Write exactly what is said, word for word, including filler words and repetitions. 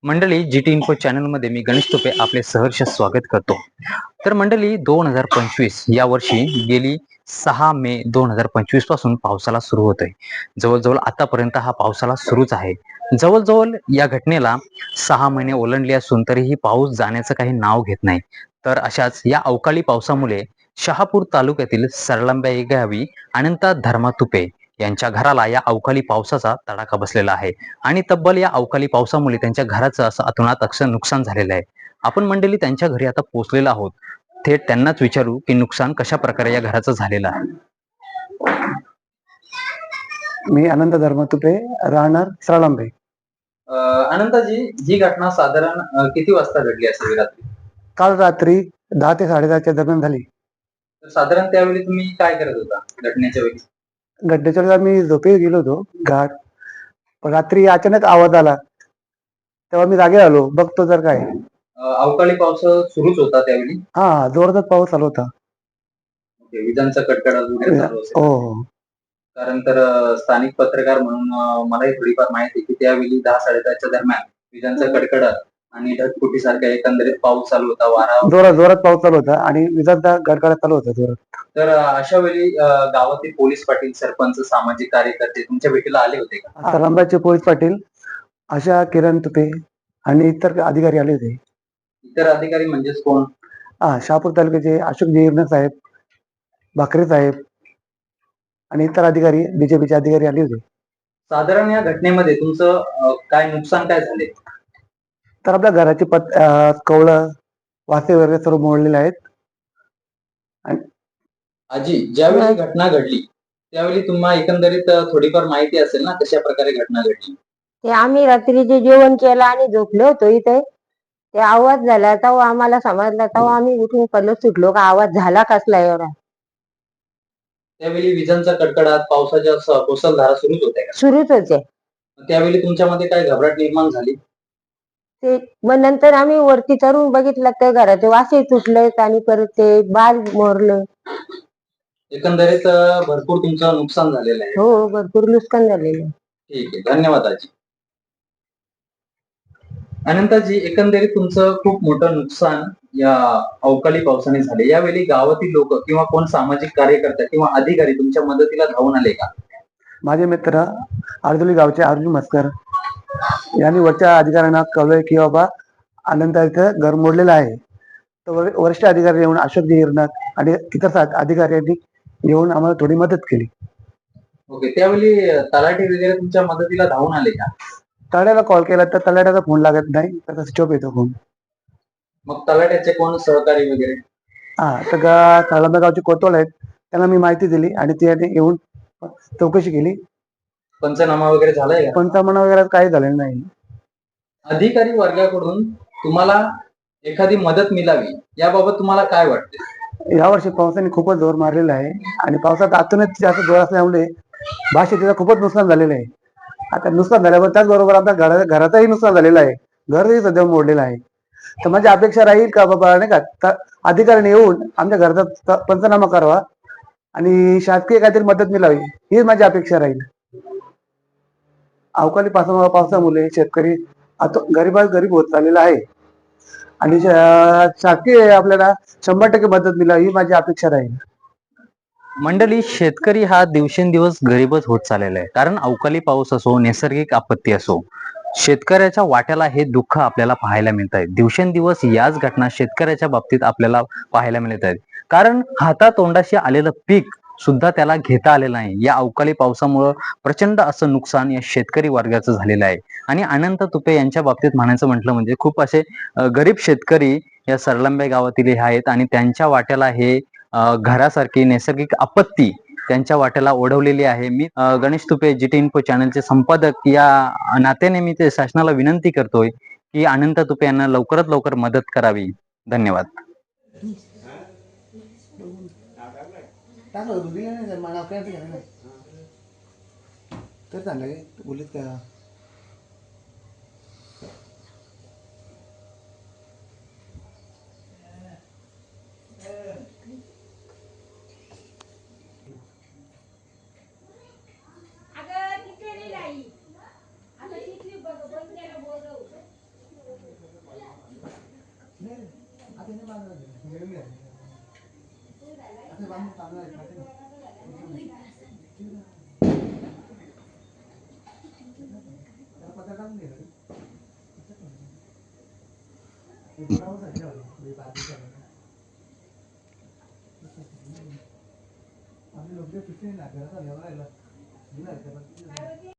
मंडळी जी T info चॅनलमध्ये मी गणेश तुपे आपले सहर्ष स्वागत करतो. तर मंडळी दोन हजार पंचवीस या वर्षी गेली सहा मे दोन हजार पंचवीस पासून पावसाला सुरू होत आहे. जवळजवळ आतापर्यंत हा पावसाला सुरूच आहे. जवळजवळ या घटनेला सहा महिने ओलांडले असून तरीही पाऊस जाण्याचं काही नाव घेत नाही. तर अशाच या अवकाळी पावसामुळे शहापूर तालुक्यातील सरलंब्या या गावी अनंता धर्मा तुपे यांच्या घराला या अवकाळी पावसाचा तडाखा बसलेला आहे आणि तब्बल या अवकाळी पावसामुळे त्यांच्या घराचं असं अतोनात अक्षर नुकसान झालेलं आहे. आपण मंडळी त्यांच्या घरी आता पोहोचलेलो आहोत. थेट त्यांनाच विचारू की नुकसान कशा प्रकारे या घराचं झालेलं आहे. मी अनंत धर्मतुपे, राहणार सरळंबे. अनंताजी, ही घटना साधारण अ, किती वाजता घडली असेल रात्री? काल रात्री दहा ते साडेदहाच्या दरम्यान झाली. तर साधारण त्यावेळी तुम्ही काय करत होता घटनेच्या वेळी? घटनेच्या वेळेला मी झोपी गेलो होतो घरात. पण रात्री अचानक आवाज आला, तेव्हा मी जागे आलो, बघतो तर काय. अ, अवकाळी पाऊस सुरूच होता त्यावेळी? हा, जोरात पाऊस चालू होता. ओके, विजांचा कडकडाट वगैरे चालू हो असेल. हो. कारण तर अ, स्थानिक पत्रकार म्हणून अ, मलाही थोडीफार माहिती आहे की त्यावेळी दहा साडेदहाच्या दरम्यान विजांचा कडकडाट आणि ढगफुटीसारखा एकंदरीत पाऊस चालू होता, वारा. जोरात जोरात पाऊस चालू होता आणि विजांचा गडगडाट चालू होता जोरात. तर अ, अशा वेळी अ, गावातील पोलीस पाटील, सरपंच, सामाजिक कार्यकर्ते तुमच्या भेटीला आले होते का? सरळंब्याचे पोलीस पाटील, आशा किरण तुपे आणि इतर अधिकारी आले होते. इतर अधिकारी म्हणजेच कोण? हा, शहापूर तालुक्याचे अशोक जीर्ण साहेब, भाकरे साहेब आणि इतर अधिकारी, बीजेपीचे अधिकारी आले होते. साधारण या घटनेमध्ये तुमचं अ, काय नुकसान काय झाले? तर आपल्या घराची पत कवळं वासे वगैरे सर्व मोडलेले आहेत. आजी, ज्यावेळी घटना घडली त्यावेळी तुम्हाला एकंदरीत अ, थोडीफार माहिती असेल ना कशा प्रकारे घटना घडली? ते आम्ही रात्रीचे जेवण केलं आणि झोपलो होतो इथे. ते आवाज झाला तेव्हा आम्हाला समजलं, तेव्हा आम्ही उठून पळत सुटलो का आवाज झाला कसला एवढा. त्यावेळी विजांचा कडकडाट, पावसाच्या स- मुसळधारा सुरूच होत्या का? सुरूच होते. त्यावेळी तुमच्यामध्ये काय घबराट निर्माण झाली? ते मग नंतर आम्ही वरती चढून बघितलं तर घराचे वासे तुटलेत आणि परत ते बाल मोरलं. एकंदरीत अ, भरपूर तुमचं नुकसान झालेलं आहे. हो, भरपूर नुकसान झालेलं आहे. ठीक आहे, धन्यवाद आजी. अनंताजी, एकंदरीत तुमचं खूप मोठं नुकसान या अवकाळी पावसाने झाले. यावेळी गावातील लोक किंवा कोण सामाजिक कार्यकर्ता किंवा अधिकारी तुमच्या मदतीला धावून आले का? माझे मित्र अर्जुली गावचे अर्जुन मस्कर यांनी वरच्या अधिकाऱ्यांना कळवले की बाबा अनंत इथं घर मोडलेलं आहे. तर वर- वरिष्ठ अधिकारी येऊन अशोकजी हिरनाथ आणि इतर सा- अधिकाऱ्यांनी येऊन आम्हाला थोडी मदत केली. ओके, त्यावेळी अ, तलाठी वगैरे तुमच्या मदतीला धावून आले का? तलाट्याला कॉल केला तर तलाट्याचा फोन लागत नाही, त्याचा स्विच ऑफ येतो फोन. मग तलाट्याचे कोण सहकारी वगैरे? हा, तर गा साळंबा गावचे कोतवाल आहेत, त्यांना मी माहिती दिली आणि ते येऊन चौकशी केली. पंचनामा वगैरे झालाय का? पंचनामा वगैरे काही झालेलं नाही. अधिकारी वर्गाकडून तुम्हाला एखादी मदत मिळावी याबाबत तुम्हाला काय वाटते? यावर्षी पावसाने खूपच जोर मारलेला आहे आणि पावसात आतूनच जास्त जोर असल्यामुळे भात शेतीचं खूपच नुकसान झालेलं आहे. आता नुकसान झाल्यावर त्याचबरोबर आमच्या घरा घराचंही नुकसान झालेलं आहे. घरही सध्या मोडलेलं आहे. तर माझी अपेक्षा राहील का बाबा नाही का त- अधिकाऱ्याने येऊन आमच्या घराचा त- पंचनामा करावा आणि शासकीय काहीतरी मदत मिळावी, हीच माझी अपेक्षा राहील. अवकाळी पावसा पावसामुळे शेतकरी आता गरीबात गरीब होत चाललेला आहे आणि शा- शासकीय आपल्याला शंभर टक्के मदत मिळावी ही माझी अपेक्षा राहील. मंडळी, शेतकरी हा दिवसेंदिवस गरीबच होत चाललेला आहे. कारण अवकाळी पाऊस असो, नैसर्गिक आपत्ती असो, शेतकऱ्याच्या वाट्याला हे दुःख आपल्याला पाहायला मिळत आहे. दिवसेंदिवस याच घटना शेतकऱ्याच्या बाबतीत आपल्याला पाहायला मिळत आहेत. कारण हातातोंडाशी आलेलं पीक सुद्धा त्याला घेता आलेलं नाही. या अवकाळी पावसामुळं प्रचंड असं नुकसान या शेतकरी वर्गाचं झालेलं आहे. आणि अनंत तुपे यांच्या बाबतीत म्हणायचं म्हटलं म्हणजे खूप असे अ, गरीब शेतकरी या सरलंबे गावातील हे आहेत आणि त्यांच्या वाट्याला हे अ, घरासारखी नैसर्गिक आपत्ती त्यांच्या वाट्याला ओढवलेली आहे. मी अ, Ganesh Tupe G T info चॅनलचे संपादक या नात्याने मी ते शासनाला विनंती करतोय की अनंत तुपे यांना लवकरात लवकर मदत करावी. धन्यवाद. तर झालंय बोलत का आपली लोक